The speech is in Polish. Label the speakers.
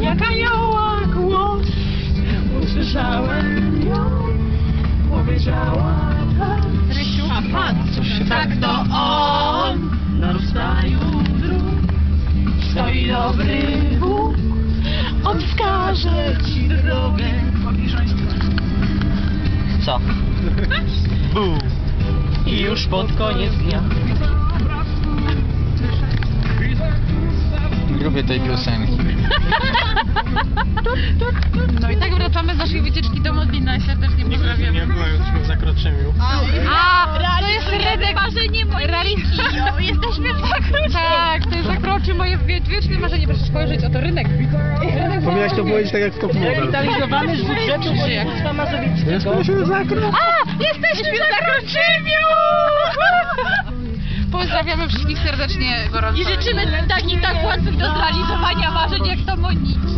Speaker 1: Jak anioła głos, usłyszałem ją, powiedziała tak.
Speaker 2: Rysiu, a pan,
Speaker 1: Coś się
Speaker 2: tak to on.
Speaker 1: Na rozstaju dróg stoi dobry Bóg. On wskaże ci drogę. Co? Bóg. I już pod koniec dnia.
Speaker 3: Nie lubię tej piosenki.
Speaker 2: No i tak wracamy z naszej wycieczki do Modlina i serdecznie pozdrawiamy.
Speaker 4: Nie byłem już w Zakroczymiu.
Speaker 2: A, to jest Redek, marzenie Moniki. Jesteśmy w Zakroczy. Tak, to jest Zakroczy, moje wieczne marzenie. Proszę spojrzeć, oto rynek.
Speaker 4: Powinieneś to powiedzieć tak jak w Top Model.
Speaker 1: Rewitalizowany z budżetu województwa mazowieckiego.
Speaker 2: A, jesteśmy w Zakroczymiu! Pozdrawiamy wszystkich serdecznie, gorąco. I życzymy takich tak łatwych do zrealizowania marzeń jak to Moniki.